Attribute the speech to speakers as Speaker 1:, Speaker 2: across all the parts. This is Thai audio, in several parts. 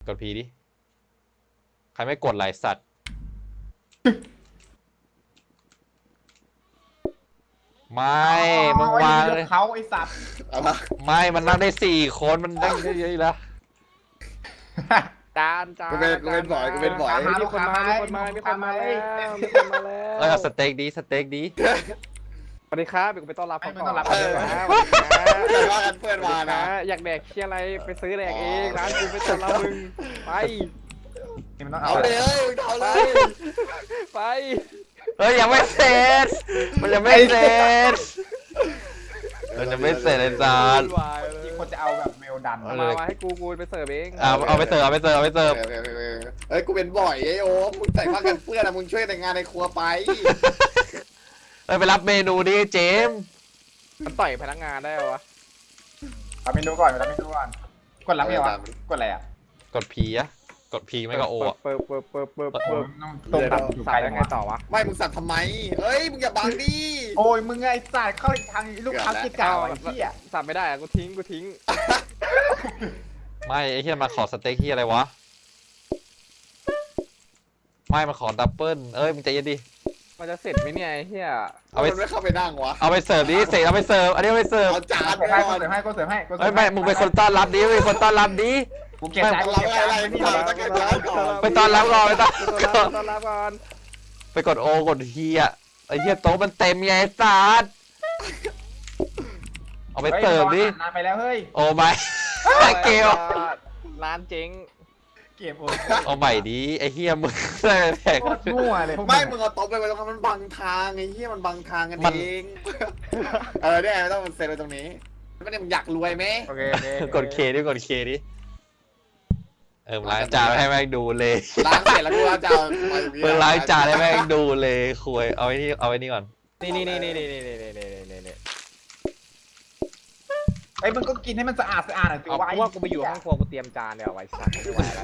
Speaker 1: ดพีดิใครไม่กดหลายสัตว์ไม่มึงวางเลย
Speaker 2: เขาไอสัตว์
Speaker 1: ไม่มันนั่งได้4 คนมันนั่งได้เยอะแล้ว
Speaker 3: จาน
Speaker 4: กูเป็นบ่อยมีคนมาแล้ว
Speaker 1: เอาสเต็กดีสเต็กดี
Speaker 3: สวัสดีครับไปต้อนรับเขาก่อน
Speaker 4: แต่ว่ากันเพื่อนมานะ
Speaker 3: อยากแดกเชี่ยอะไรไปซื้อแดกเองร้านกูไปต้อนรับมึงไป
Speaker 2: นี่มันต้อง
Speaker 4: เอา
Speaker 2: เอา
Speaker 4: เลยเอาเลย
Speaker 3: ไป
Speaker 1: เฮ้ยยังไม่เสร็จมันยังไม่เสร็จมันยังไม่เสร็จเลยจาน
Speaker 2: ที่คนจะเอาแบบเมลดัน
Speaker 3: มาให้กูไปเสิร์ฟเอง
Speaker 1: เอาไปเสิร์ฟ
Speaker 4: เฮ้ยกูเป็นบ่อยไอ้โอ้มึงใส่ผ้ากันเปื้อนอะมึงช่วยแต่งงานในครัวไป
Speaker 1: ไปรับเมนูดิเจม
Speaker 3: มันต่อยพนักงานได้เหรอวะ
Speaker 2: เอาเมนูก่อนรับเมนูก่อนกดรับไม่เหรอวะกดอะไรอ่ะ
Speaker 1: กดพีอะกดพีไม่ก็โออะ
Speaker 3: เปิด
Speaker 2: ต้ม
Speaker 3: ตั
Speaker 2: ตั
Speaker 3: บบ
Speaker 2: อยู่
Speaker 3: สั
Speaker 2: ไก
Speaker 3: บ
Speaker 2: ล
Speaker 3: ยังไงต่อวะ
Speaker 4: ไม่มึงสั่งทำไมเฮ้ยมึงอย่าบังดิ
Speaker 2: โอ้ยมึงไงสัตว์เข้าทางลูกค้าเก่าไอ้เหี้ย
Speaker 3: สับไม่ได้อะกูทิ้ง
Speaker 1: ไม่ไอ้เฮียมาขอสเต็กที่อะไรวะไม่มาขอดับเบิ้ลเอ้ยมึงใจเย็นดิ
Speaker 3: มันจะเสร็จไหมเนี่ยไอ้เหี้ย
Speaker 1: เอาไป
Speaker 4: ไม่เข้าไปนั่งวะ
Speaker 1: เอาไปเสิร์ฟดิเสร็จเอาไปเสิร์ฟอันนี้เอาไปเสิร์ฟ
Speaker 4: เอาจาน
Speaker 2: เสริม
Speaker 4: ก่
Speaker 2: ให้
Speaker 4: อน
Speaker 2: เสริมให้ก็เสริมให้
Speaker 1: เฮ้ยไม่มึงเป็นคนต้อนรับดิเป็นคนต้อนรับดิ
Speaker 2: กูเก็บจานกูเก็บจานไม่มีอะไร
Speaker 1: ไปต้อนรับก่อนไปต้อน
Speaker 3: ต้อนรับก่อน
Speaker 1: ไปกดโอกดทีอะไอ้เหี้ยโต๊ะมันเต็มไงไอ้สัสเอาไปเสิร์ฟดิ
Speaker 2: นานไปแล้วเฮ้ย
Speaker 1: โอ้ไม่เกล
Speaker 3: ร้านเจ๊ง
Speaker 2: เก็บโอ้
Speaker 1: เอาใหม่ดิไอ้เหี้ยมึงได้แพง
Speaker 2: โคตรมั่วเลยพวก
Speaker 4: ไม่มึงเอาโต๊ะไปไว้ตรงนั้นมันบังทางไอ้เหี้ยมันบังทางกันเองเนี่ยไม่ต้องเซ็นไว้ตรงนี้ไม่ได้มึงอยากรวยไหม
Speaker 2: โอเค
Speaker 1: กดเคดิกดเคดิล้างจานให้แม่งดูเลย
Speaker 4: ล้างเสร็จแล้วกูจะเอาไป
Speaker 1: ล้างจานให้แม่งดูเลยคุยเอาไว้นี่ก่อน
Speaker 3: นี่
Speaker 2: ไอ้มึงก็กินให้มันสะอาดหน่อยสิ
Speaker 3: เอา
Speaker 2: วะ
Speaker 3: ว่ากูไปอยู่ห้องครัวกูเตรียมจานเดี๋ยวไว้สักไม่ไหวแล้ว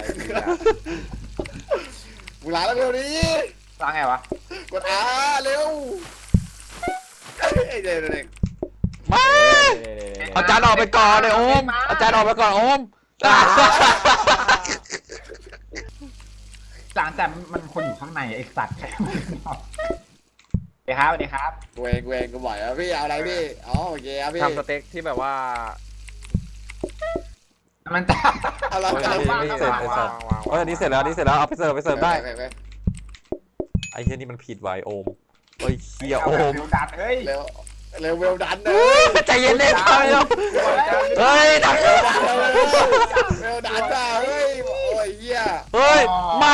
Speaker 4: มึงล้างแล้วเร็วนี้
Speaker 2: ล้างไงวะ
Speaker 4: กดเร็วเด็ก
Speaker 1: มาเอาจานออกไปก่อนเลยโอมเอาจานออกไปก่อนโอม
Speaker 2: จานแต่มันคนอยู่ข้างในไอ้สัตว์สวัสดีครับ
Speaker 4: เวงกูบ่อยพี่เอาอะไรพี่อ๋อโอเคครับพี่
Speaker 3: ทำสเต็กที่แบบว่า
Speaker 2: มันจะ
Speaker 4: เอาละ
Speaker 1: อันนี้เสร็จแล้วเอาไปเสิร์ฟได้ไอ้เหี้ยนี่มันผิดไว้โอมเฮ้ยเฮียโอม
Speaker 2: ดัดเฮ้ย
Speaker 4: เร็วเวลดันเลย
Speaker 1: ใจเย็นเลยครับเฮ้ยดัก
Speaker 4: เวลดันจ้าเฮ้ยโอ้ยเหี้ย
Speaker 1: เฮ้ยไม่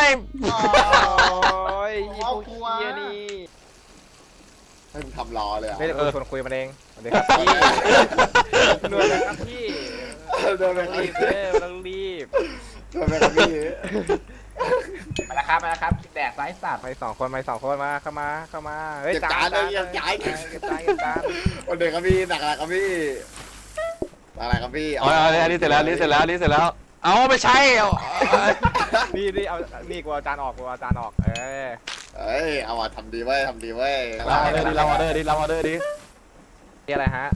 Speaker 3: โอ้ยยี่พวกเฮียนี่
Speaker 4: ให้มึงทำรอเลยอ่ะ
Speaker 3: ไม่ได้เป็นคนคุยมันเองสวัสดีครับพี่นวลนะครับพี่
Speaker 4: โดนไป
Speaker 3: รีบต้องรีบ
Speaker 4: โดนไปครับพี่
Speaker 2: มาแล้วครับแดกไซส์สัตว์
Speaker 3: ไปสองคนมาเข้ามาเฮ้ย
Speaker 4: เก็บจานเลยย้าย
Speaker 3: เก็บจาน
Speaker 4: วันเด็กครับพี่หนักอะไรครับพี่อะไรครับพี่
Speaker 1: อันนี้เสร็จแล้ว เอาไม่ใช่
Speaker 3: นี่เอานี่กูเอาจานออก
Speaker 4: เอ้ยเอาทำดีเว้ย
Speaker 1: เราออเดอร์ดิ
Speaker 3: นี่อะไรฮะ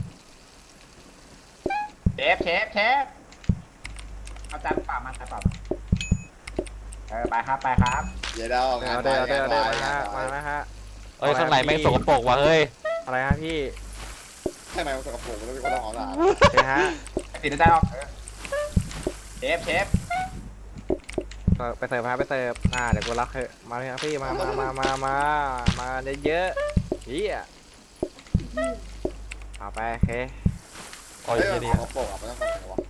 Speaker 2: เชฟเอาจานเปล่ามาจานเปล่าไปครับ
Speaker 4: เดี๋ยวเรางาน
Speaker 3: เดี๋ยวมานะฮะ
Speaker 1: เฮ้ยข้างในแม่งสกปรกว่ะเฮ้ย
Speaker 3: อะไรฮะพี่
Speaker 4: ข้างในมันสกปรกแล้วพี่ก็ต้องเอาละ
Speaker 3: นี่ฮะ
Speaker 2: ติดจานออกเชฟ
Speaker 3: ไปเสิร์ฟเดี๋ยวกูรักเถอะมาเลยครับพี่มาเยอะๆเฮียเอาไปโอเค
Speaker 1: โอ้ย
Speaker 4: เฮ้ย
Speaker 1: เฮีย
Speaker 4: มัน
Speaker 1: ดี
Speaker 4: สกปรกอ่ะไม่ต้องทำวะ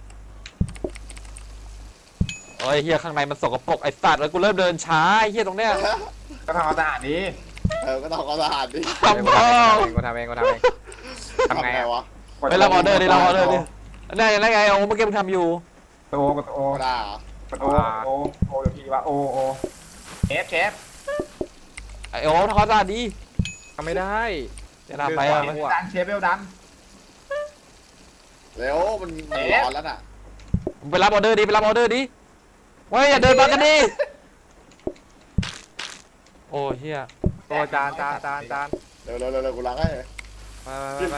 Speaker 1: โอ้ยเฮียข้างในมันสกปรกไอ้สัตว์แล้วกูเริ่มเดินช้าไอ้เฮียตรงเนี้ย
Speaker 2: ก็ทำความสะอาดดี
Speaker 4: ก็ต้องเอาสะอาดดิ
Speaker 1: ทำพ่อ
Speaker 3: กูทำเองทำไงอะ
Speaker 4: วะ
Speaker 1: ไปรับออเดอร์ดินั่นไงโอ้เมื่อกี้มึงทำอยู่
Speaker 2: กดโอ
Speaker 4: ก็ได้
Speaker 2: เดี๋ยวพี่ว่าโอเชฟ
Speaker 1: ไอโอ้ทอดสะอาดดี
Speaker 3: ทำไม่ได้
Speaker 1: จะทำไปอ่ะ
Speaker 2: ดันเชฟเวลดัน
Speaker 4: เร็วมันร้อนแล้วน่ะ
Speaker 1: ไปรับออเดอร์ดิเฮ้ยอย่าเดินมากันดิโอ้เฮีย
Speaker 3: โอ้จาน
Speaker 4: เร็วกูล้างให้
Speaker 3: ไป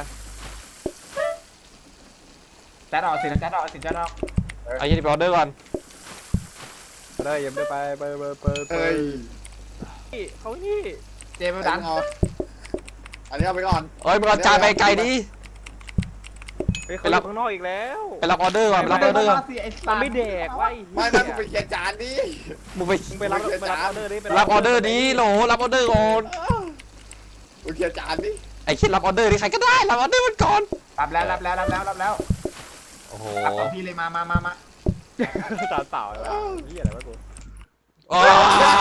Speaker 2: จานออกสิจานออก
Speaker 1: ไอ้ยี่ไปออเดอร์ก่อน
Speaker 3: เลยอย่าไปไป
Speaker 4: เฮ้ย
Speaker 3: เขานี่
Speaker 2: เจมส์ดัน
Speaker 4: เอาอันนี้เอาไปก่อน
Speaker 1: เอ้ยมึงเอาจานไปไกลดิ
Speaker 3: ไปรับข้างนอกอีกแล้ว
Speaker 1: ไปรับออเดอร์ก่อนไปรับออเดอร์ก่อน
Speaker 3: มันไม่แดกไว้
Speaker 4: ไม่ไม่มึงไปเคลียร์จานดิ
Speaker 1: มึงไป
Speaker 3: มึงไปรับออเดอร์ดิ
Speaker 1: รับออเดอร์ดิโหลรับออเดอร์ก่อน
Speaker 4: มึงเคลียร์จานดิ
Speaker 1: ไอ้คิดรับออเดอร์ดิใครก็ได้รับออเดอร์มันก่อน
Speaker 2: รับแล้ว
Speaker 1: โอ้โห
Speaker 2: รับของพี่เลยมา
Speaker 3: จานเปล่าเลยนี่อะไรวะกู
Speaker 1: อ้า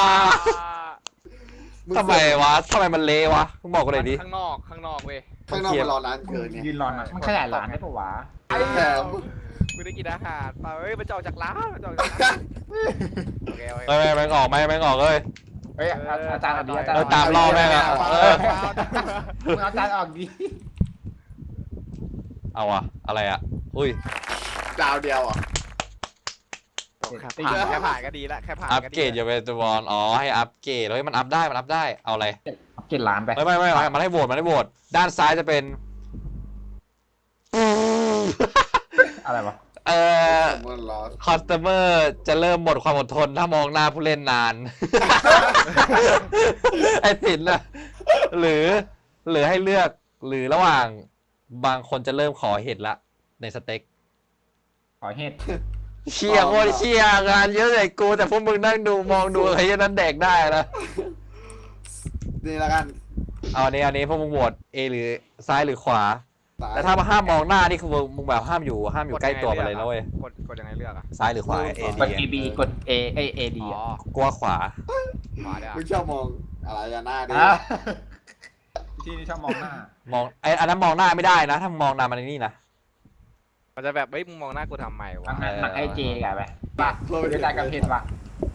Speaker 1: ทำไมวะทำไมมันเละวะมึงบอกกูหน่อยดิ
Speaker 3: ข้างนอกเว้ย
Speaker 4: ข้างนอกมันรอนานเกินไง
Speaker 2: ยืนรอนะมันขยายร้านได้ปะวะ
Speaker 4: แถม
Speaker 3: กูได้กินอาหารเปล่าเฮ้ยมันจะออกจากร้านมันจะออกจากร้านโอเค
Speaker 1: เอ้ยแม่งออกไหมแม่งออกเลย
Speaker 2: เฮ้ยอาจารย์ออกดีอาจารย์
Speaker 1: ตามรอบแม่งอะเออ
Speaker 2: มึงอาจารย์ออกดี
Speaker 1: เอาอะอะไรอะอุ้ย
Speaker 4: ดาวเดียวอ่ะ
Speaker 3: แค่ผ่านก็ดีละแค่ผ่าน
Speaker 1: อัป
Speaker 3: ก็ดี
Speaker 1: เกรดอย่าไปตัวบอลอ๋อให้อัปเกรดเฮ้ยมันอัพได้มันอัพได้เอาอะไร
Speaker 2: เก็บร้านไป
Speaker 1: ไม่มันให้โหวตมันให้โหวตด้านซ้ายจะเป็น
Speaker 2: อะไรวะ
Speaker 4: มันรอ
Speaker 1: คอสเตอร์จะเริ่มหมดความอดทนถ้ามองหน้าผู้เล่นนาน ไอ้สินน่ะหรือให้เลือกหรือระหว่างบางคนจะเริ่มขอเห็ดละในสเต็ก
Speaker 2: ขอเฮ็ด
Speaker 1: เชี่ยโคตรเชี่ยงานเยอะเลยกูแต่พวกมึงนั่งดูมองดูไอ้ยันนั้นแดกได้นะ
Speaker 4: นี่ละกัน
Speaker 1: เอาอันนี้พวกมึงโหวต A หรือซ้ายหรือขวา แต่ถ้ามาห้ามมองหน้านี่คือมึงแบบห้ามอยู่ใกล้ตัวไปเลยนะเว้ย
Speaker 3: กดยังไงเลือกอ่ะ
Speaker 1: ซ้ายหรือขวา A
Speaker 2: กด A B กด A A D
Speaker 3: อ๋อ
Speaker 1: กลัวขวา
Speaker 3: ขวาได้
Speaker 4: มึงชอบมองอะไรหน้าดิ
Speaker 2: ที่นี่ชอบมองหน้าม
Speaker 1: องไอ้อันนั้นมองหน้าไม่ได้นะ ถ้ามองหน้ามันนี่นะ
Speaker 3: มันจะแบบเฮ้ยมึงมองหน้ากูทำไมวะ
Speaker 2: มันไอเจกันไปป่ะเวลากับเพชรป่ะ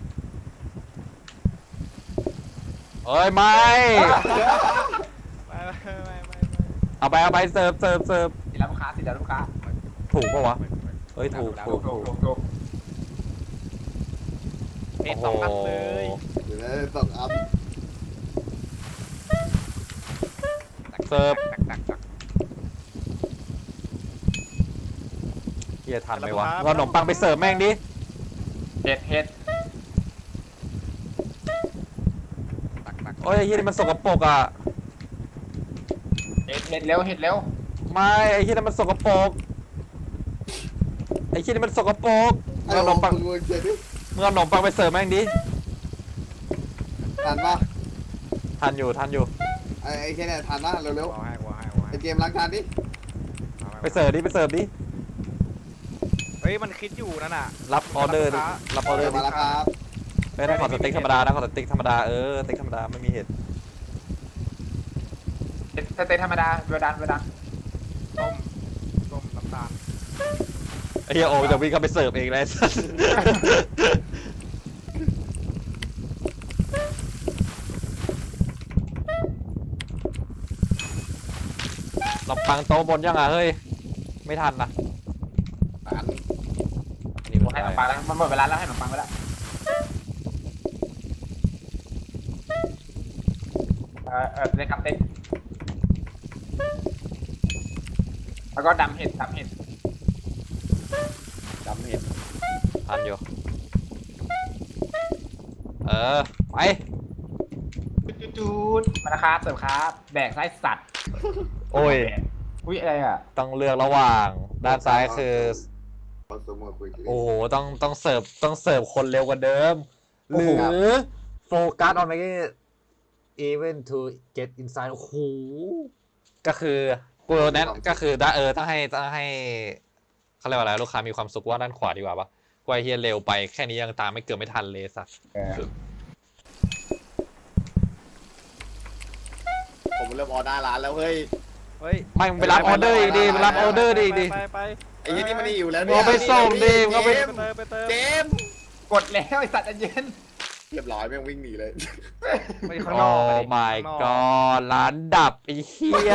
Speaker 1: เอ้ยไม่
Speaker 3: ไม่
Speaker 1: เอาไปเสิร์ฟ
Speaker 2: สิแล้วลูกค้า
Speaker 1: ถูกปะวะเฮ้ยถูก
Speaker 2: ถูก
Speaker 3: เพจสองอันเลย
Speaker 4: เดี๋ยวนะต้องอัพ
Speaker 1: เสิร์ฟ
Speaker 3: ตัก
Speaker 1: เฮียทันไหมวะเอาขนมปังไปเสิร์ฟแม่งดิ
Speaker 2: เฮ็ด
Speaker 1: โอ้ยไอ้เฮียนี่มันสกปรกอ่ะ
Speaker 2: เร็ว
Speaker 1: ไม่ไอ้เฮียนี่มันสกปรกไอ้เฮียนี่มันสกปรกมึงเอาขนมปัง
Speaker 4: มึงเขียนดิ
Speaker 1: มึงเอาขนมปังไปเสิร์ฟแม่งดิ
Speaker 4: ทันปะ
Speaker 1: ทันอยู่
Speaker 4: ไอ้แค่เนี่ยทันปะเร็ว
Speaker 3: ให้
Speaker 4: ๆไอ้เกมล้างจานดิ
Speaker 1: ไปเสิร์ฟดิ
Speaker 3: เฮ้ยมันคิดอยู่นั่นน่ะ
Speaker 1: รับออเดอร์ดิรับออเดอร์ดิ
Speaker 4: มาแล้วครับ
Speaker 1: ไม่ได้ขอสเต็กธรรมดานะขอสเต็กธรรมดาสเต็กธรรมดาไม่มีเห็ด
Speaker 2: สเต็กธรรมดาเวลา
Speaker 3: ต้มน้ำตาล
Speaker 1: ไอ้เฮียโอจะวิ่งเข้าไปเสิร์ฟเองเลย ขนมปังโต๊ะบนยังอ่ะเฮ้ยไม่ทันนะ
Speaker 4: ทัน
Speaker 1: อันนี้หมด
Speaker 2: ให้ขน
Speaker 1: ได้
Speaker 2: มปังแล้วมันหมดเวลาแล้วให้ขนมปังไปแล้วเต็กครับเต็กแล้วก็ดำเห็ด
Speaker 4: จำเห็น
Speaker 1: ทันอยู่ไป
Speaker 2: จูดมานะครับเสิร์ฟครับแดกไส้สัตว์
Speaker 1: โอ้ย
Speaker 2: อุ้ยอะไรอ่ะ
Speaker 1: ต้องเลือกระหว่างด้านซ้ายคือ
Speaker 4: คอนซูเมอร์คุยกัน
Speaker 1: โอ้โหต้องเสิร์ฟคนเร็วกว่าเดิม หรือโฟกัส on making even to get inside โอ้โหก็คือกูแนะก็คือต้องให้เขาเรียกว่าอะไรลูกค้ามีความสุขว่าด้านขวาดีกว่าปะกว่าเฮียเร็วไปแค่นี้ยังตามไม่เกือบไม่ทันเลยสัส
Speaker 4: ผมเริ่มออเดอร์ร้านแล้วเฮ้ย
Speaker 3: เฮ้ย
Speaker 1: ไม่มึงไปรับออเดอร์อีกดิไปรับออเดอร์อีกดิ
Speaker 3: ไป
Speaker 4: ไอ้ยี่นี่มันนี่อยู่แล้ว
Speaker 1: มึงเอาไปส่งดิมึงเอาไป
Speaker 3: ไปเติม
Speaker 4: เจมส์
Speaker 2: กดแล้วไอสัตว์เย็น
Speaker 4: เรียบร้อยแม่งวิ่งหนีเลย
Speaker 3: ไปข้างน
Speaker 1: โอ้
Speaker 3: อก
Speaker 1: my god ร้านดับไอ้เหี้ย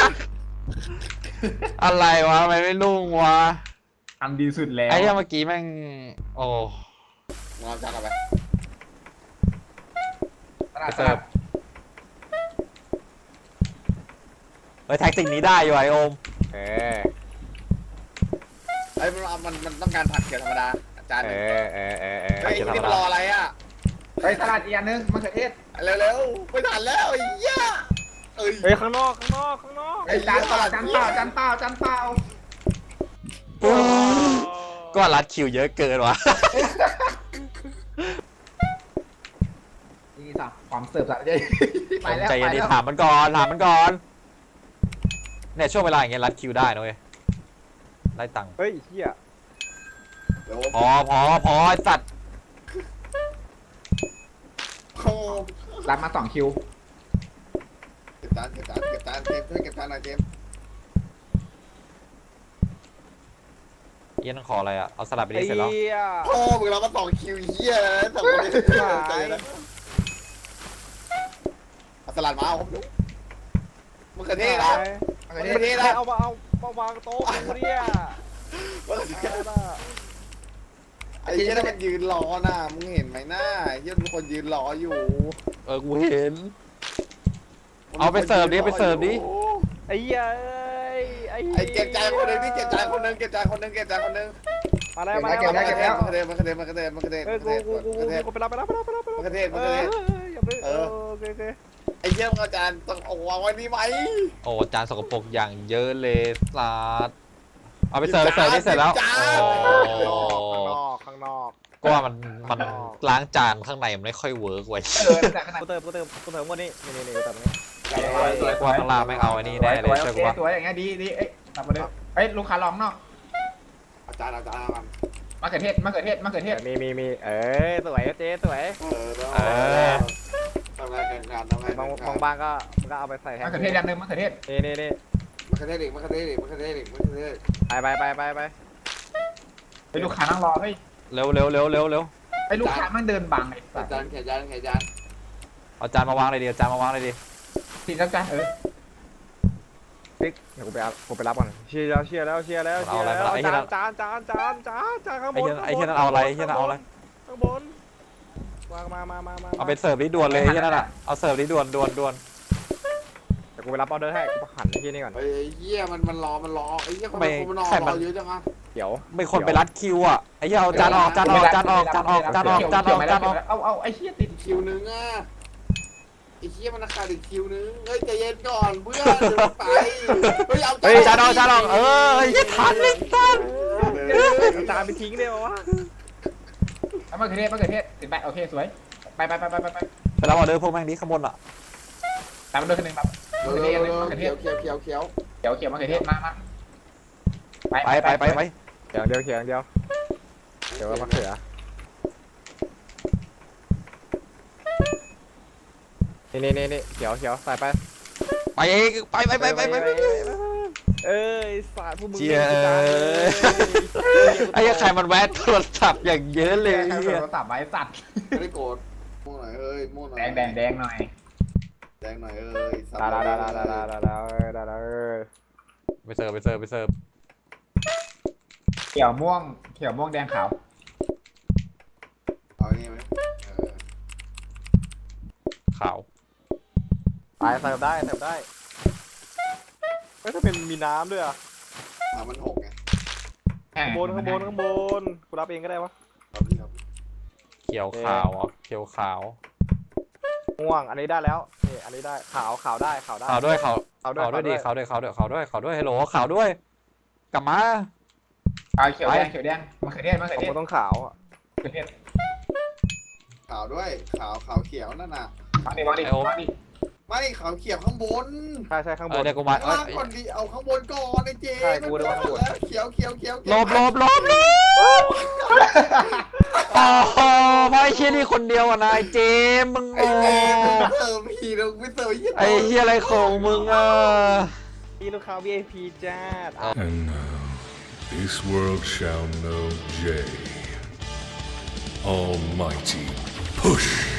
Speaker 1: อะไรวะทำไมไม่รุ่งวะ
Speaker 2: ทำดีสุดแล้ว
Speaker 1: ไอ้เหี้ยเมื่อกี้แม่งโอ้
Speaker 4: งอนจังเอาไป
Speaker 1: ไปเสิร์ฟเฮ้ยแท็กติกนี้ได้อยู่ไอโอม
Speaker 3: เออ
Speaker 4: ไอ้มันต้องการผัดเกลือธรรมดาจานห
Speaker 3: เอ
Speaker 4: นึ่ง
Speaker 3: อ
Speaker 4: เฮ้ยนี่มันรออะไรอ่ะ
Speaker 2: เฮ้ยสลัดอีกอันนึงมะเขือเทศ
Speaker 4: เร็วๆไม่ทันแล้วไอ้เหี้ยเอ้ย
Speaker 3: เฮ้ยข้างนอก
Speaker 2: เฮ้ยจานเปล่าจานเปล่าจานเปล่าจานเปล่า
Speaker 1: ก็รัดคิวเยอะเกินว่ะ
Speaker 2: นี่สับความเสิร์ฟสับใจไปแล้ว
Speaker 1: ใจ
Speaker 2: ไป
Speaker 1: เย็นดิ
Speaker 2: แล้ว
Speaker 1: ถามมันก่อนเนี่ยช่วงเวลาอย่างเงี้ยรัดคิวได้นะเว้ยไล่ตังค์
Speaker 3: เฮ้ยเฮีย
Speaker 4: เดี๋ยว
Speaker 1: พอไอ้สัตว์
Speaker 4: โอ้
Speaker 2: รับมา2 คิว
Speaker 4: เก็บจานเจมส์ช่วยเก็บจานหน่อยเจมส์
Speaker 1: เอี้ยนขออะไรอ่ะเอาสลัดไปดิเสร็จแล้ว
Speaker 3: เฮีย
Speaker 4: โอ้มึงเรามา2 คิวเหี้ยนะ2 คนนี้ใจเย็นนะเอาสลัดมาเอาผมดูมะเขือเทศนะ
Speaker 2: มะเขือ
Speaker 4: มะเขือ
Speaker 2: เท
Speaker 4: เท
Speaker 2: ศ
Speaker 4: ศนะ
Speaker 3: เอามาวางโต๊ะกูเนี่ย
Speaker 4: มะเขือเทศไอ้เหี้ยนั่นมันยืนรอน่ะมึงเห็นไหมหน้าไอ้เหี้ยมีคนยืนรออยู่
Speaker 1: กูเห็น เอาไปเสิร์ฟดิไปเสิร์ฟดิ
Speaker 3: ไอ้เหี้ยไอ้
Speaker 4: ไอ้เก็บจานคนหนึงนี่เก็บจานคนหนึง
Speaker 3: มาแล้ว
Speaker 4: มะเขือเทศ
Speaker 3: เออกูไปรับ
Speaker 4: มะเขือเทศ
Speaker 3: อย่าไปโอเค
Speaker 4: ไอ้เหี้ยมึงเอาจานต้องเอาวางไว้นี่ไหม
Speaker 1: โอ้จานสกปรกอย่างเยอะเลยสัตว์เอาไปเสิร์ฟดิเสร็จแล้ว
Speaker 3: ข้างนอก
Speaker 1: ก็ว่ามันล้างจานข้างในมันไม่ค่อยเวิร์กเว้ย
Speaker 2: แต่ขนาด
Speaker 3: กูเติมวันนี้นี่กูเติมนี้
Speaker 1: กว่าข้างล่างไม่เอาไอ้นี่แน่เลย
Speaker 2: โอ
Speaker 1: เชื่อ
Speaker 2: เค
Speaker 1: กูป่ะ
Speaker 2: สวยอย่างเงี้ยดีเอ้ยกลับมาเลยเฮ้ยลูกค้าลองนอก
Speaker 4: เอาจานมัน
Speaker 2: มะเขือเทศมะเขือเทศมะเขือเทศ
Speaker 3: มีสวยเจ๊สวย
Speaker 4: ทำงานแข่งขัน
Speaker 3: บางบ้านก็มันก็เอาไปใส่แทน
Speaker 2: มะเขือเทศอย่างนึงมะเขือเทศ
Speaker 3: นี่
Speaker 4: มะเขือเทศอีก
Speaker 3: ไป
Speaker 2: เฮ้ยลูกค้านั่งรอเฮ้ย
Speaker 1: เร็ว
Speaker 2: เฮ้ยลูกค้ามันเดินบังไอ้สัส
Speaker 4: จานแข่งจาน
Speaker 1: เอาจานมาวางเลยดิเอาจานมาวางเลยดิ
Speaker 2: ทีละกัน
Speaker 3: ปิ๊กเดี๋ยวกูไปรับก่อนเชียร์แล้วจานข้างบน
Speaker 1: ไอ้เหี้ยนั่นเอาอะไรข้
Speaker 3: างบนวางมา
Speaker 1: เอาไปเสิร์ฟดิด่วนเลยไอ้เหี้ยนั่นอ่ะเอาเสิร์ฟดิด่วน
Speaker 3: เดี๋ยวกูไปรับออเดอร์ให้กูหันไอ้ที่นี่ก่อน
Speaker 4: ไอ้เหี้ยมันรอไอ้เหี้ยคนมันรอเยอะจังอ่ะ
Speaker 3: เดี๋ยว
Speaker 1: ไม่คนไปรัดคิวอ่ะไอ้เหี้ยเอาจานออก
Speaker 2: เอาไอ้เหี้ยติด
Speaker 4: คิวนึงอ่ะไอ้เหี้ยมันราคาอีกคิวนึงเฮ้ยใจเย็นก่อนเพื่อนเดี๋ยวไปเฮ้ยเอา
Speaker 1: เฮ้ยจานออกอย่าทันเลยสัตว์
Speaker 3: จานไปทิ้งได้ปะวะ
Speaker 2: มะเขือเทศติดแบตโอเคสวยไป
Speaker 1: ไปรับออเดอร์พวกแม่งนี้ข้างบนอ่ะ
Speaker 2: ตามมาด้วยคนนึงแบบมะเขือเทศมะเขือเทศ
Speaker 4: เขียว
Speaker 2: เขียวมะเขือเทศมา
Speaker 1: ไป
Speaker 3: เดี๋ยวมะเขือนี่เขียวใส่ไป
Speaker 1: ไปเองไป
Speaker 3: เอ้ยสาดพวกมึง
Speaker 1: เจียไอ้ใครมันแวะโทรศัพท์อย่างเยอะเลย
Speaker 2: ใครโทรศัพท์ไว้สัตว์
Speaker 4: ไม่ได้โกรธม่วงหน่อยเฮ้ยม่วงหน่อย
Speaker 2: แดงหน่อย
Speaker 4: แดงหน่อยเอ้ย
Speaker 3: ดา
Speaker 1: ไปเสิร์ฟ
Speaker 2: เขียวม่วงแดงขาว
Speaker 4: เอาอย่างนี้ไหม
Speaker 1: ขาว
Speaker 3: ไปเสิร์ฟได้ไม่ถ้าเป็นมีน้ำด้วยอ่ะ
Speaker 4: มันหกไง
Speaker 3: ข้างบนกูรับเองก็ได้วะ
Speaker 4: ครับพี่ครับ
Speaker 1: เขียวขาวอ่ะเขียวขาว
Speaker 3: ม่วงอันนี้ได้แล้วนี่อันนี้ได้ขาวได้
Speaker 1: ขาวด้วยขาวด้วยดิขาวด้วยฮัลโหลขาวด้วยกลับมา
Speaker 2: เขียวแดงมะเขือเทศ
Speaker 3: ผมต้องขาวอ่ะ
Speaker 2: มะเขือเทศ
Speaker 4: ขาวด้วยขาวเขียวนั่นน่ะ
Speaker 2: มาดิ
Speaker 4: ไม่ขาวเขียวข้างบน
Speaker 3: ใช่ข้างบน
Speaker 1: เดี๋ยวกูมา
Speaker 4: ข้างล่างก่อนดิเอาข้างบนก่อนไอ้เจ๊เขียว
Speaker 1: ลบโอ้โหเพราะไอ้เชี่ยนี่คนเดียวอ่ะนายเจมมึง
Speaker 4: ไอ้
Speaker 1: โอ้
Speaker 4: เจ๊เติมพีเราไม่เติมยี่
Speaker 1: ไอ้เชี่ยอะไรของมึงอ่ะ
Speaker 3: มีลูกค้า VIP จ้า
Speaker 5: And now, this world shall know J. Almighty Push.